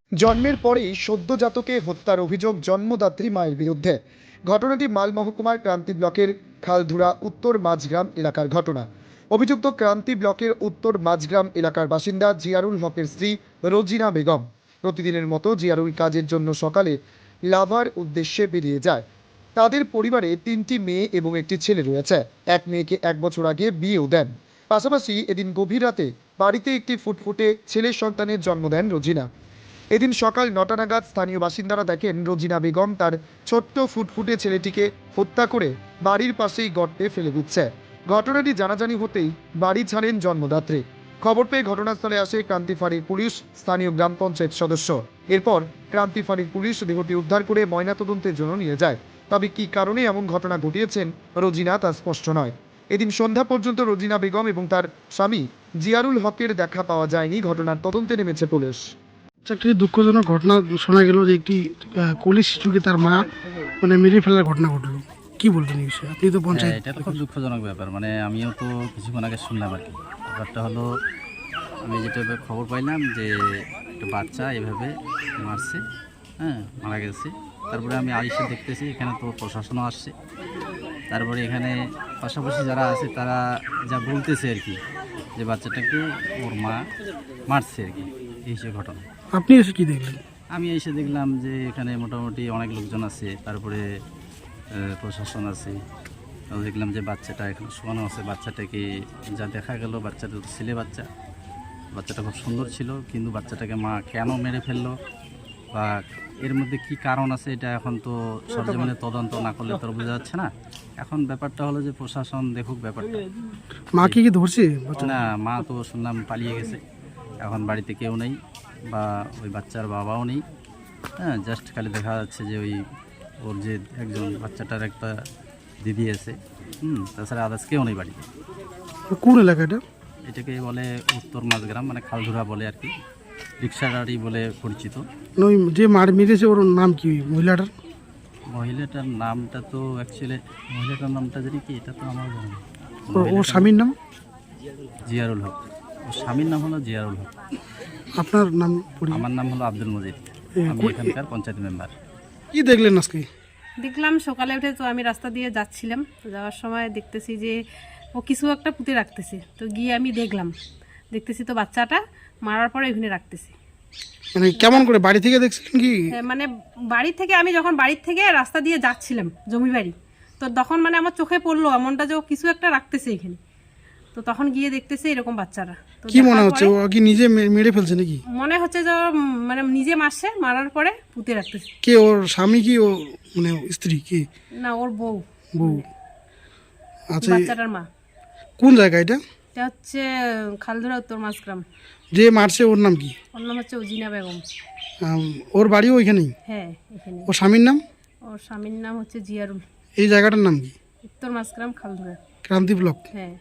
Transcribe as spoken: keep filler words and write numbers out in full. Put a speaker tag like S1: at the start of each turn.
S1: জন্মের পরেই সদ্যজাতকে হত্যার অভিযোগ জন্মদাত্রী মায়ের বিরুদ্ধে। ঘটনাটি মাল মহকুমার ক্রান্তি ব্লকের খালধুরা উত্তর মাঝগ্রাম এলাকার ঘটনা। অভিযুক্ত ক্রান্তি ব্লকের উত্তর মাঝগ্রাম এলাকার বাসিন্দা জিয়ারুল হকের স্ত্রী রোজিনা বেগম। প্রতিদিনের মতো জিয়ারুল কাজের জন্য সকালে লাভার উদ্দেশ্যে বেরিয়ে যায়। তাদের পরিবারে তিনটি মেয়ে এবং একটি ছেলে রয়েছে। এক মেয়েকে এক বছর আগে বিয়েও দেন। পাশাপাশি এদিন গভীর রাতে বাড়িতে একটি ফুটফুটে ছেলের সন্তানের জন্ম দেন রোজিনা। এদিন সকাল নটা নাগাদ স্থানীয় বাসিন্দারা দেখেন রোজিনা বেগম তার ছোট্ট ফুটফুটে ছেলেটিকে হত্যা করে বাড়ির পাশেই গর্তে ফেলে দিচ্ছে। ঘটনাটি জানাজানি হতেই বাড়ি ছাড়েন জন্মদাত্রী। খবর পেয়ে ঘটনাস্থলে আসে ক্রান্তি ফাঁড়ির পুলিশ, স্থানীয় গ্রাম পঞ্চায়েত সদস্য। এরপর ক্রান্তি ফাঁড়ির পুলিশ দেহটি উদ্ধার করে ময়নাতদন্তের জন্য নিয়ে যায়। তবে কী কারণে এমন ঘটনা ঘটিয়েছেন রোজিনা তা স্পষ্ট নয়। এদিন সন্ধ্যা পর্যন্ত রোজিনা বেগম এবং তার স্বামী জিয়ারুল হকের দেখা পাওয়া যায়নি। ঘটনার তদন্তে নেমেছে পুলিশ।
S2: একটি দুঃখজনক ঘটনা শোনা গেল যে একটি কলি শিশুকে তার মা মানে মেরে ফেলার ঘটনা ঘটলো। কি বলবেন এই বিষয়ে? আপনি তো
S3: হ্যাঁ,
S2: পঞ্চায়েত।
S3: এটা তো খুব দুঃখজনক ব্যাপার। মানে আমিও তো কিছুক্ষণ আগে শুনলাম আর কি। ব্যাপারটা হলো, আমি যেটা খবর পাইলাম যে একটা বাচ্চা এভাবে মারছে, হ্যাঁ মারা গেছে। তারপরে আমি আইসে দেখতেছি এখানে তো প্রশাসনও আসছে। তারপরে এখানে পাশাপাশি যারা আছে তারা যা বলতেছে আর কি, যে বাচ্চাটাকে ওর মা মারছে আর কি, এই সে ঘটনা।
S2: আপনি এসে কি দেখলেন?
S3: আমি এসে দেখলাম যে এখানে মোটামুটি অনেক লোকজন আছে, তারপরে প্রশাসন আছে। তাও দেখলাম যে বাচ্চাটা এখন শোয়ানো আছে। বাচ্চাটাকে যা দেখা গেল, বাচ্চাটা তো ছেলে বাচ্চা, বাচ্চাটা খুব সুন্দর ছিল, কিন্তু বাচ্চাটাকে মা কেন মেরে ফেললো বা এর মধ্যে কি কারণ আছে এটা এখন তো সরজমিনে তদন্ত না করলে তো বোঝা যাচ্ছে না। এখন ব্যাপারটা হলো যে প্রশাসন দেখুক ব্যাপারটা।
S2: মা কি কি ধরছে?
S3: না, মা তো শুনলাম পালিয়ে গেছে, এখন বাড়িতে কেউ নেই বা ওই বাচ্চার বাবাও নেই। হ্যাঁ, জাস্ট খালি দেখা যাচ্ছে যে ওই ওর যে একজন বাচ্চাটার একটা দিদি আছে, হুম তাছাড়া আদার্স কেউ নেই বাড়িতে।
S2: কোন এলাকাটা?
S3: এটাকে বলে উত্তর মাঝগ্রাম, মানে খালধুরা বলে আর কি, রিক্সাগাড়ি বলে পরিচিত।
S2: ওই যে মার মেরেছে ওর নাম কি মহিলাটার?
S3: মহিলাটার নামটা তো অ্যাকচুয়ালি মহিলাটার নামটা জানি কি, এটা তো আমার জানা নেই।
S2: ওর- ওর স্বামীর নাম?
S3: জিয়ারুল হক। ওর স্বামীর নাম হলো জিয়ারুল হক।
S2: আপনার নাম? পরি-
S3: আমার নাম হলো আব্দুল মজিদ, আমি এখানকার পঞ্চায়েত মেম্বার।
S2: কি দেখলেন আজকে?
S4: দেখলাম সকালে উঠে, তো আমি রাস্তা দিয়ে যাচ্ছিলাম, তো যাওয়ার সময় দেখতেছি যে ও কিছু একটা পুঁতে রাখতেছে। তো গিয়ে আমি দেখলাম, দেখতেছি তো বাচ্চাটা মারার পরে ওখানে রাখতেছি।
S2: মানে কেমন করে বাড়ি থেকে দেখছিলেন কি?
S4: হ্যাঁ, মানে বাড়ি থেকে, আমি যখন বাড়ির থেকে রাস্তা দিয়ে যাচ্ছিলাম জমি বাড়ি, তো তখন মানে আমার চোখে পড়লো এমনটা যে ও কিছু একটা রাখতেছে এখানে। তো তখন গিয়ে দেখতেছি এরকম বাচ্চারা। তো
S2: কি মনে
S4: দেখার
S2: হচ্ছে
S4: পরে
S2: ও কি নিজে মে- মেরে ফেলছে নাকি?
S4: মনে হচ্ছে যে ও, উম, মানে নিজে মারছে, মারার পরে পুঁতে রাখতেছে।
S2: কে ওর স্বামী কি ও মানে স্ত্রী কি
S4: না, ওর বউ,
S2: বউ? আচ্ছা,
S4: বাচ্চাটার মা।
S2: কোন জায়গা এটা?
S4: এটা হচ্ছে খালধুরা উত্তর মাঝগ্রাম।
S2: যে মারছে ওর নাম কি?
S4: ওর নাম হচ্ছে উজিনা বেগম।
S2: আম, ওর বাড়িও ওইখানেই?
S4: হ্যাঁ, এখানে।
S2: ওর স্বামীর নাম?
S4: ওর স্বামীর নাম হচ্ছে জিয়ারুল।
S2: এই জায়গাটার নাম কি?
S4: উত্তর মাঝগ্রাম খালধুরা।
S2: ক্রান্তি ব্লক।
S4: হ্যাঁ।